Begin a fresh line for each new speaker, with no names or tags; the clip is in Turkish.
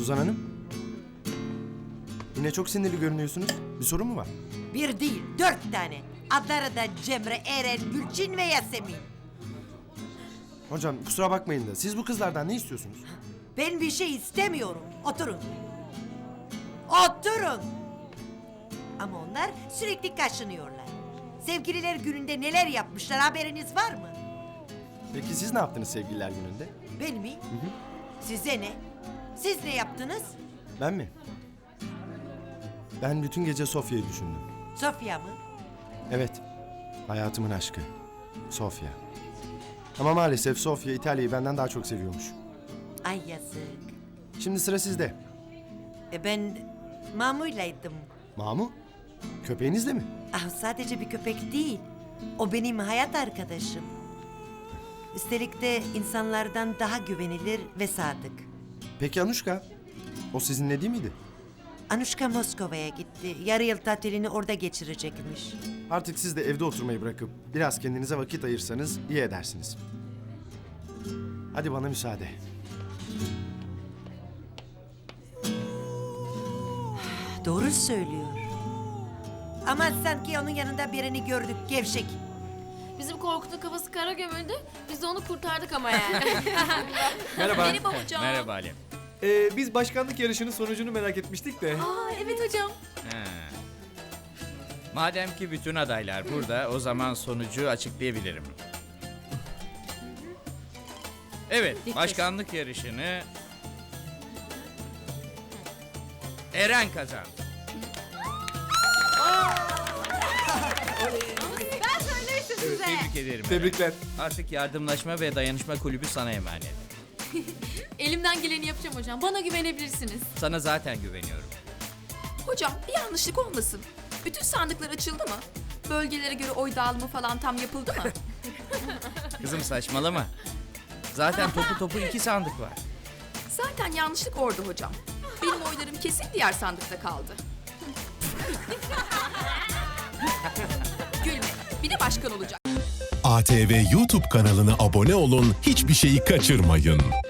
Suzan Hanım. Yine çok sinirli görünüyorsunuz. Bir sorun mu var?
Bir değil, 4 tane. Adları da Cemre, Eren, Gülçin ve Yasemin.
Hocam kusura bakmayın da siz bu kızlardan ne istiyorsunuz?
Ben bir şey istemiyorum. Oturun. Oturun. Ama onlar sürekli kaşınıyorlar. Sevgililer gününde neler yapmışlar haberiniz var mı?
Peki siz ne yaptınız sevgililer gününde?
Ben mi? Size ne? Siz ne yaptınız?
Ben mi? Ben bütün gece Sofya'yı düşündüm.
Sofya mı?
Evet. Hayatımın aşkı. Sofya. Ama maalesef Sofya İtalya'yı benden daha çok seviyormuş.
Ay yazık.
Şimdi sıra sizde.
Ben Mamu'ylaydım.
Mamu? Köpeğinizle mi?
Ah, sadece bir köpek değil. O benim hayat arkadaşım. Üstelik de insanlardan daha güvenilir ve sadık.
Peki Anuşka? O sizinle değil miydi?
Anuşka Moskova'ya gitti. Yarı yıl tatilini orada geçirecekmiş.
Artık siz de evde oturmayı bırakıp biraz kendinize vakit ayırsanız iyi edersiniz. Hadi bana müsaade.
Doğru söylüyor. Ama sanki onun yanında birini gördük, gevşek.
Bizim Korkut'un kafası kara gömüldü. Biz de onu kurtardık ama yani.
Merhaba.
Merhaba hocam.
Merhaba Ali.
Biz başkanlık yarışının sonucunu merak etmiştik de.
Aa, evet hocam.
Ha. Madem ki bütün adaylar burada, o zaman sonucu açıklayabilirim. Evet, başkanlık yarışını Eren kazandı.
Ben söylemiştim size.
Tebrik ederim. Eren.
Tebrikler.
Artık yardımlaşma ve dayanışma kulübü sana emanet.
Elimden geleni yapacağım hocam. Bana güvenebilirsiniz.
Sana zaten güveniyorum.
Hocam bir yanlışlık olmasın. Bütün sandıklar açıldı mı? Bölgelere göre oy dağılımı falan tam yapıldı mı?
Kızım saçmalama. Zaten topu 2 sandık var.
Zaten yanlışlık orada hocam. Benim oylarım kesin diğer sandıkta kaldı. Gülme. Bir de başkan olacak.
ATV YouTube kanalına abone olun, hiçbir şeyi kaçırmayın.